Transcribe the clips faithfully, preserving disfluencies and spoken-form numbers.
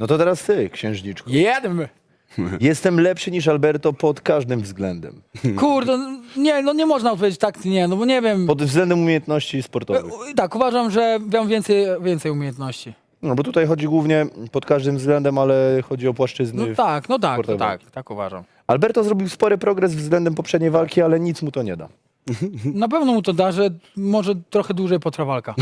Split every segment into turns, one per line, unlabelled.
No to teraz ty, księżniczku.
Jedem!
Jestem lepszy niż Alberto pod każdym względem.
Kurde, nie, no nie można odpowiedzieć tak, nie, no bo nie wiem.
Pod względem umiejętności sportowych.
E, Tak, uważam, że mam więcej, więcej umiejętności.
No bo tutaj chodzi głównie pod każdym względem, ale chodzi o płaszczyzny.
No tak, no tak, no
sportowe.
tak, tak uważam.
Alberto zrobił spory progres względem poprzedniej walki, ale nic mu to nie da.
Na pewno mu to da, że może trochę dłużej potrwa walka.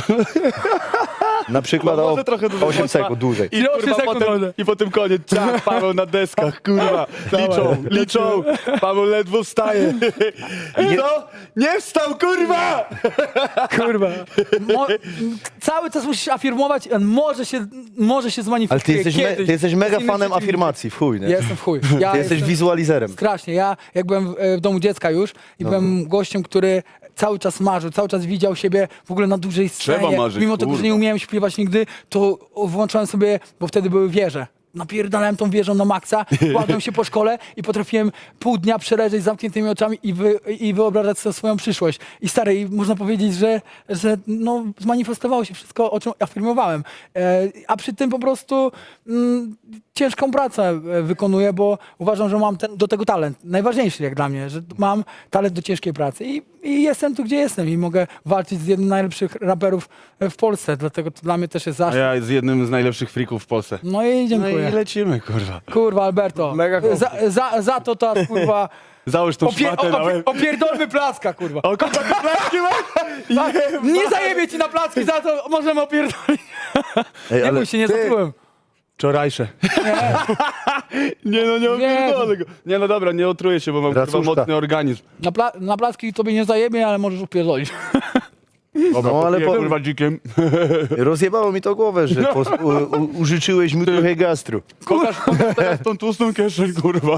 Na przykład
No,
o
może trochę dłużej
osiem
potrwa.
sekund dłużej.
I,
osiem
kurwa,
sekund
potem,
może.
I potem koniec. Ciach, Paweł na deskach, kurwa. Liczą, liczą. Paweł ledwo wstaje. I co? Nie wstał, kurwa!
Kurwa. Mo cały czas musisz afirmować, on może się, może się
Ale
zmanifestuje
ty jesteś, me,
kiedyś.
ty jesteś mega
Z innym
fanem
przeciwnikiem.
afirmacji, w chuj, nie?
Ja jestem w chuj. Ja
Ty jesteś
jestem
wizualizerem.
strasznie. Ja jak byłem w, e, w domu dziecka już i byłem gościem, który cały czas marzył, cały czas widział siebie w ogóle na dużej scenie.
Trzeba marzyć,
Mimo tego, że nie
kurwa.
umiałem śpiewać nigdy, to włączałem sobie, bo wtedy były wieże. Napierdalałem tą wieżą na maksa, kładłem się po szkole i potrafiłem pół dnia przeleżeć z zamkniętymi oczami i, wy, i wyobrażać sobie swoją przyszłość. I stary, i można powiedzieć, że, że no, zmanifestowało się wszystko, o czym afirmowałem. E, a przy tym po prostu mm, ciężką pracę e, wykonuję, bo uważam, że mam ten, do tego talent. Najważniejszy jak dla mnie, że mam talent do ciężkiej pracy. I, i jestem tu, gdzie jestem i mogę walczyć z jednym z najlepszych raperów w Polsce. Dlatego to dla mnie też jest
A
zaszczyt.
ja z jednym z najlepszych frików w Polsce.
No i
No
dziękuję.
i lecimy, kurwa.
Kurwa, Alberto.
Mega chłop.
za, za, za to ta kurwa.
Załóż tą
Opie,
szmatę na
opie,
łeb.
opierdolmy placka, kurwa.
O, kurwa, ty placki masz?
Nie zajebie ci na placki, za to możemy opierdolić.
Ej,
Nie
ale
bój się, nie
ty-
zatrułem.
Wczorajsze. Nie no, nie opierdolę go. Nie no dobra, nie otruję się, bo mam kurwa
Racuszka.
mocny organizm.
Na, pla na placki tobie nie zajebie, ale możesz opierdolić.
Dobra,
No, ale
ale
po-
kurwa dzikiem.
Rozjebało mi to głowę, że po, u, u, użyczyłeś mu trochę gastru.
Pokaż, pokaż teraz tą tłustą kieszeń, kurwa.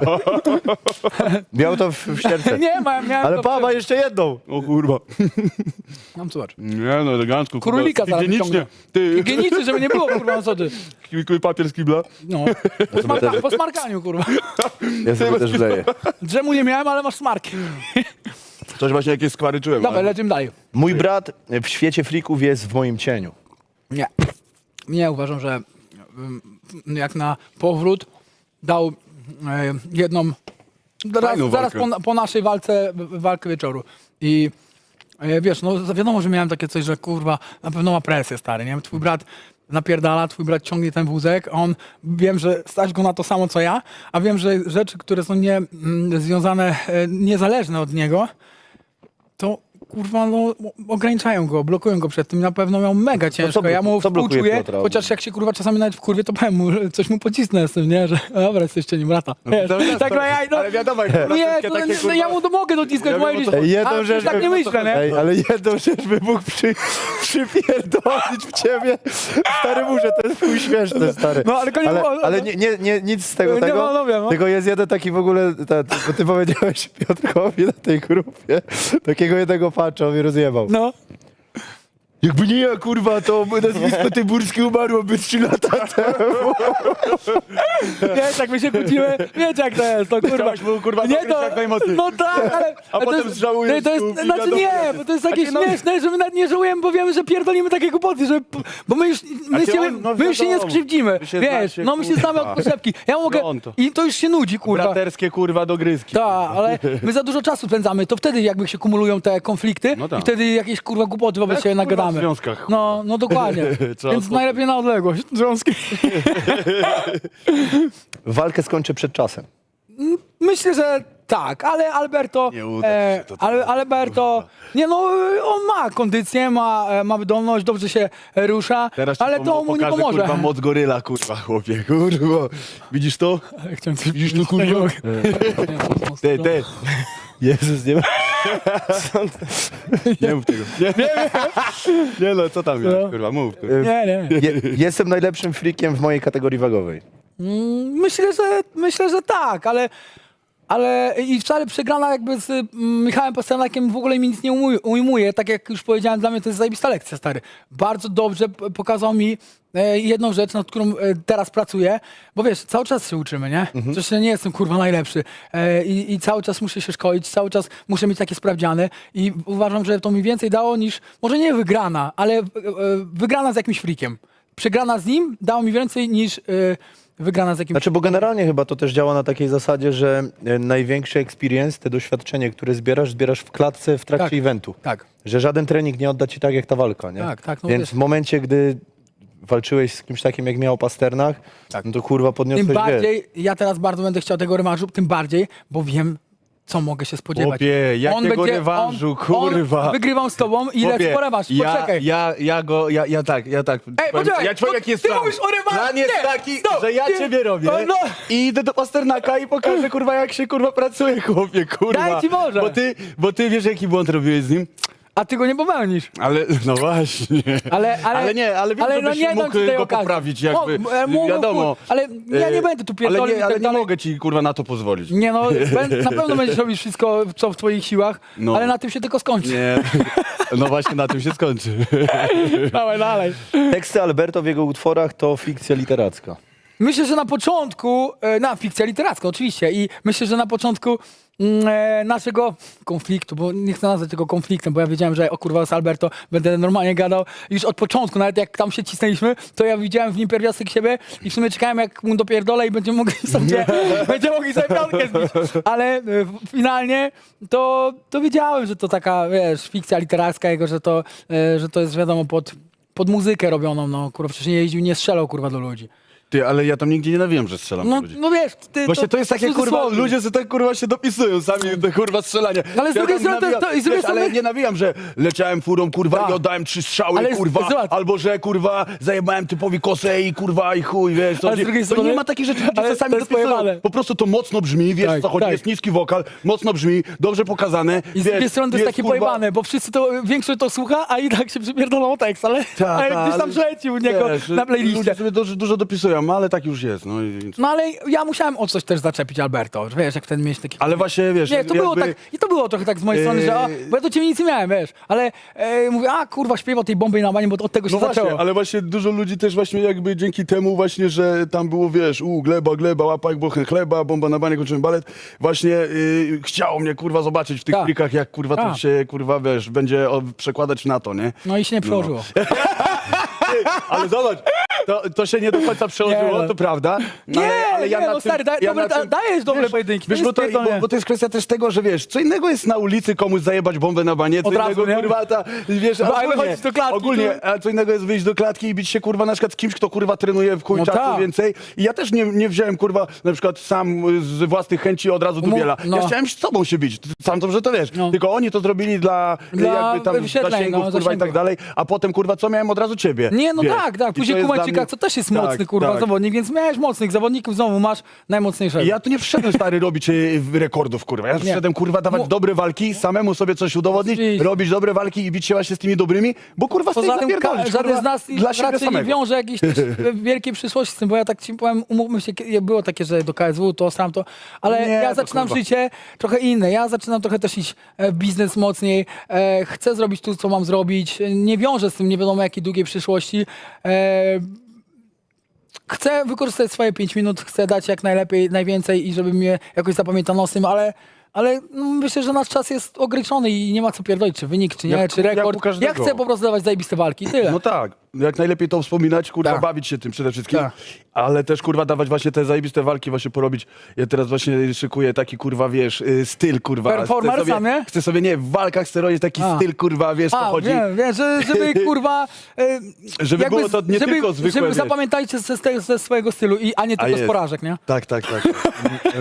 Miał to w, w serce.
Nie, ma, miałem
Ale
to
pa, ma jeszcze jedną.
O kurwa.
Mam zobacz.
Nie no, elegancko, kurwa.
Królika zaraz
Higienicznie.
wyciągnę.
Ty,
Higienicy, żeby nie było, kurwa, no co ty.
Kikuj papier z kibla.
No. Po, smarka po smarkaniu, kurwa.
Ja sobie też wleję.
Drzemu nie miałem, ale masz smarki.
Coś właśnie jakieś skwary czułem.
Dobra,
ale-
lecimy dalej.
Mój brat w świecie frików jest w moim cieniu.
Nie. Nie, uważam, że ym, jak na powrót dał e, jedną. Zaraz,
Fajną
zaraz
walkę.
po, po naszej walce, w- walkę wieczoru. I e, wiesz, no wiadomo, że miałem takie coś, że kurwa, na pewno ma presję, stary, nie? Twój brat napierdala, twój brat ciągnie ten wózek, on, wiem, że stać go na to samo, co ja, a wiem, że rzeczy, które są nie, mm, związane, e, niezależne od niego, to kurwa, no, ograniczają go, blokują go przed tym. Na pewno miał mega ciężko.
blo-
Ja mu
co blokuje
współczuję,
Piotra?
chociaż jak się kurwa czasami nawet wkurwie, to powiem mu, że coś mu pocisnę z tym, nie? Że dobra, jesteście nim brata. Wiesz,
to jest
tak,
to-
no, ja, no,
ale wiadomo, jak
nie,
wszystkie
to,
takie,
no,
kurwa-
ja mu to mogę dociskać,
Ja
moje
wiem, o
życie.
co-
Ej, jedną
Ale
rzecz
tak
bym-
nie myślę, nie?
Ej, ale jedną rzecz by mógł przy, przypierdolić w ciebie. Stary muszę, to jest chuj śmieszne, stary.
No, ale koniec-
ale,
o, o,
ale nie, nie, nie, nic z tego,
Nie,
tego.
no, no wiem, no.
Tylko jest jeden taki w ogóle, ta, bo ty powiedziałeś Piotrkowi na tej grupie, takiego jednego patcha, on mnie rozjebał.
No.
Jakby nie ja, kurwa, to nazwisko Tyburskie umarłoby trzy lata temu.
Wiesz, jak my się kłócimy, wiecie jak to jest, to kurwa.
Chciałeś mu, kurwa,
nie,
dogryźć jak najmocniej.
No tak, ale... ale to
potem
jest-
zżałujesz,
nie, to jest,
kurwa,
znaczy
wiadomo.
nie, bo to jest takie
Takie, no-
śmieszne, że my nawet nie żałujemy, bo wiemy, że pierdolimy takie głupoty, że... Bo my już, my
Znaczy
się,
on, no
my już się nie
wiadomo.
skrzywdzimy,
Wy się
wiesz,
znacie,
no my się znamy
kurwa.
od poszepki. Ja mogę...
No on to.
I to już się nudzi, kurwa.
Braterskie, kurwa, dogryzki.
Tak, ale my za dużo czasu spędzamy, to wtedy jakby się kumulują te konflikty
No tak.
i wtedy jakieś kurwa głupoty wobec
Jak,
siebie
kurwa,
nagadamy.
w związkach,
No, no dokładnie.
Trzeba
Więc
spokój.
najlepiej na odległość. Związki.
Walkę skończę przed czasem.
Myślę, że tak, ale Alberto.
Nie uda ci się to
ale,
teraz,
Alberto. Nie no, on ma kondycję, ma, e, ma wydolność, dobrze się rusza,
Teraz ci
ale
pom-
to mu nie
pokażę,
pomoże.
kurwa, moc goryla, kurwa, chłopie, kurwa. Widzisz to?
Chciałem coś
Widzisz to, kurwa? Ty, ty.
Jezus, nie ma.
Nie mów tego. Nie, nie, nie no, co tam
No.
jest, kurwa, mów. Kurwa.
Nie, nie.
Je, jestem najlepszym frikiem w mojej kategorii wagowej.
Mm, Myślę, że myślę, że tak, ale. Ale i wcale przegrana jakby z mm, Michałem Pasternakiem w ogóle mi nic nie ujmuje, ujmuje. Tak jak już powiedziałem, dla mnie to jest zajebista lekcja, stary. Bardzo dobrze p- pokazał mi e, jedną rzecz, nad którą e, teraz pracuję, bo wiesz, cały czas się uczymy, nie? Mhm. Przecież ja nie jestem kurwa najlepszy e, i, i cały czas muszę się szkolić, cały czas muszę mieć takie sprawdziany i uważam, że to mi więcej dało niż, może nie wygrana, ale e, e, wygrana z jakimś frikiem. Przegrana z nim dało mi więcej niż... E, wygrana z jakimś...
Znaczy, bo generalnie chyba to też działa na takiej zasadzie, że e, największy experience, te doświadczenie, które zbierasz, zbierasz w klatce w trakcie
Tak.
eventu.
Tak.
Że żaden trening nie odda ci tak jak ta walka, nie?
Tak, tak, no
Więc
wiesz.
w momencie, gdy walczyłeś z kimś takim jak miał Pasternach,
Tak.
no to kurwa podniosłeś,
Tym
wiesz.
bardziej, ja teraz bardzo będę chciał tego rewanżu, tym bardziej, bo wiem, co mogę się spodziewać.
Chłopie, jakiego rewanżu, kurwa.
On, wygrywam z tobą i lecę po rewanż,
ja,
poczekaj.
ja, ja go, ja, ja tak, ja tak.
Ej,
powiem-
poczekaj,
ja ci powiem,
no,
jaki jest
ty
plan.
mówisz o rewanżu,
Plan jest
nie,
taki,
stop,
że ja
nie.
ciebie robię
No, no.
i idę do Pasternaka i pokażę, kurwa, jak się, kurwa, pracuje, chłopie, kurwa.
Daj ci Boże.
Bo ty, bo ty wiesz, jaki błąd robiłeś z nim?
A ty go nie popełnisz.
Ale, no właśnie.
Ale, ale,
Ale nie, ale wiem,
ale
żebyś
no nie dam
mógł
ci tej
go
okazji.
poprawić, jakby,
Mo- e, mógł,
wiadomo.
mógł, ale ja nie
E,
będę tu
Ale
pierdolił i
nie, ale
tak
nie
dalej.
mogę ci, kurwa, na to pozwolić.
Nie no, bę- na pewno będziesz robić wszystko, co w twoich siłach,
No.
ale na tym się tylko skończy.
Nie, no właśnie na tym się skończy.
Dawaj dalej.
Teksty Alberto w jego utworach to fikcja literacka.
Myślę, że na początku, e, na fikcja literacka oczywiście i myślę, że na początku mm, e, naszego konfliktu, bo nie chcę nazwać tego konfliktem, bo ja wiedziałem, że o kurwa z Alberto będę normalnie gadał już od początku, nawet jak tam się cisnęliśmy, to ja widziałem w nim pierwiastek siebie i w sumie czekałem jak mu dopierdolę i będziemy mogli sobie, będziemy mogli sobie piątkę zbić, ale e, finalnie to, to wiedziałem, że to taka, wiesz, fikcja literacka jego, że to, e, że to jest wiadomo pod, pod muzykę robioną, no kurwa, przecież nie jeździł, nie strzelał kurwa do ludzi.
Ty, ale ja tam nigdzie nie nawijam, że strzelam
No,
do ludzi.
no wiesz, ty,
Właśnie to jest takie, kurwa,
cudzysłowie.
ludzie sobie tak, kurwa, się dopisują sami te, kurwa, strzelania.
Ale z drugiej
tam
strony to-
nawijam-
to- i z drugiej
wiesz, ale
strony-
nie nawijam, że leciałem furą, kurwa,
Tak.
i oddałem trzy strzały,
Ale z-
kurwa,
zobacz.
albo że, kurwa, zajebałem typowi kosę i, kurwa, i chuj, wiesz. To,
Ale z
nie-
drugiej
to
strony-
nie ma takich rzeczy, ludzie
ale
sobie sami
to jest
dopisują.
pojebane.
Po prostu to mocno brzmi, wiesz,
Tak,
co chodzi,
tak.
jest niski wokal, mocno brzmi, dobrze pokazane.
I z
wiesz,
drugiej strony to jest takie
kurwa-
pojebane, bo wszyscy to, większość to słucha, a i tak się przypierdolą tekst, ale,
Ta,
ale
ta,
gdzieś tam
ale-
leci u niego
wiesz,
na playliście.
Ludzie sobie dużo, dużo dopisują, ale tak już jest, no i...
No ale ja musiałem o coś też zaczepić Alberto, że wiesz, jak wtedy mieć taki...
Ale właśnie, wiesz,
Nie, to było
jakby-
tak, i to było trochę tak z mojej strony, że o,
Yy.
bo ja do ciebie nic nie miałem, wiesz, ale e, mówię, a kurwa, śpiewa tej bomby na banie, bo od tego się
No
zaczęło.
właśnie, ale właśnie dużo ludzi też właśnie jakby dzięki temu właśnie, że tam było, wiesz, u, gleba, gleba, łapa jak bochen chleba, bomba na banie, kończymy balet, właśnie yy, chciało mnie, kurwa, zobaczyć w tych
Tak.
plikach, jak, kurwa, to
Tak.
się, kurwa, wiesz, będzie o, przekładać na to, nie?
No i się nie przełożyło.
Ty, ale zobacz, to, to się nie do końca przełożyło,
Nie, no.
to prawda. No,
Nie,
ale, ale ja
nie,
na
no
tym,
stary, daj-
ja
dobre-
na tym,
dajesz dobre pojedynki,
Wiesz,
to
bo
jest
to,
pierdolnie.
bo, bo to jest kwestia też tego, że wiesz, co innego jest na ulicy komuś zajebać bombę na banie, co
Od razu,
innego,
nie?
kurwa, ta, wiesz,
Bo
ogólnie,
wychodzić do klatki,
ogólnie,
to-
a co innego jest wyjść do klatki i bić się, kurwa, na przykład z kimś, kto, kurwa, trenuje w chuj
No
czasu
tak.
więcej. I ja też nie, nie wziąłem, kurwa, na przykład sam z własnych chęci od razu dubiela.
no.
Ja chciałem z tobą się bić, sam dobrze to wiesz.
No.
Tylko oni to zrobili dla,
Dla
jakby tam
wyświetleń,
zasięgów,
no,
kurwa, i
zasięgów.
tak dalej, a potem, kurwa, co miałem od razu ciebie.
Nie, no
wiesz.
tak, tak.
I to
Później
jest dla
Kumańczyka,
mnie-
co też jest
Tak,
mocny, kurwa,
tak.
zawodnik, więc miałeś mocnych zawodników, znowu masz najmocniejszego.
I ja tu nie przyszedłem, stary, robić y, rekordów, kurwa. Ja przyszedłem, kurwa, dawać
Mu-
dobre walki, samemu sobie coś udowodnić,
Oczywiście.
robić dobre walki i bić się właśnie z tymi dobrymi, bo kurwa
Poza
stoi
tym ka-
zapierdolić,
żaden
kurwa,
z nas
dla siebie
raczej nie
samego.
wiąże jakiejś też wielkiej przyszłości z tym, bo ja tak ci powiem, umówmy się, kie- było takie, że do K S W to, sam to, ale
Nie,
ja
to
zaczynam
kurwa.
życie trochę inne, ja zaczynam trochę też iść e, w biznes mocniej, e, chcę zrobić tu, co mam zrobić, nie wiążę z tym nie wiadomo jakiej długiej przyszłości, e, chcę wykorzystać swoje pięć minut, chcę dać jak najlepiej, najwięcej i żeby mnie jakoś zapamiętano z tym, ale ale no, myślę, że nasz czas jest ograniczony i nie ma co pierdolić, czy wynik, czy nie,
Jak-
czy
jak u
rekord.
każdego.
Ja chcę po prostu dawać zajebiste walki, tyle.
No tak, jak najlepiej to wspominać, kurwa,
Tak.
bawić się tym przede wszystkim,
Tak.
ale też, kurwa, dawać właśnie te zajebiste walki właśnie porobić. Ja teraz właśnie szykuję taki, kurwa, wiesz, y, styl, kurwa.
Performer
chcę sobie,
sam, nie?
Chcę sobie, nie, w walkach chcę robić taki
A.
styl, kurwa, wiesz, co
A,
chodzi.
wiem, wiem, że, żeby kurwa... E,
Żeby było to nie
żeby,
tylko zwykłe,
Żeby
wiesz.
zapamiętajcie ze, ze swojego stylu, i, a nie
A
tylko z
jest.
porażek, nie?
Tak, tak, tak.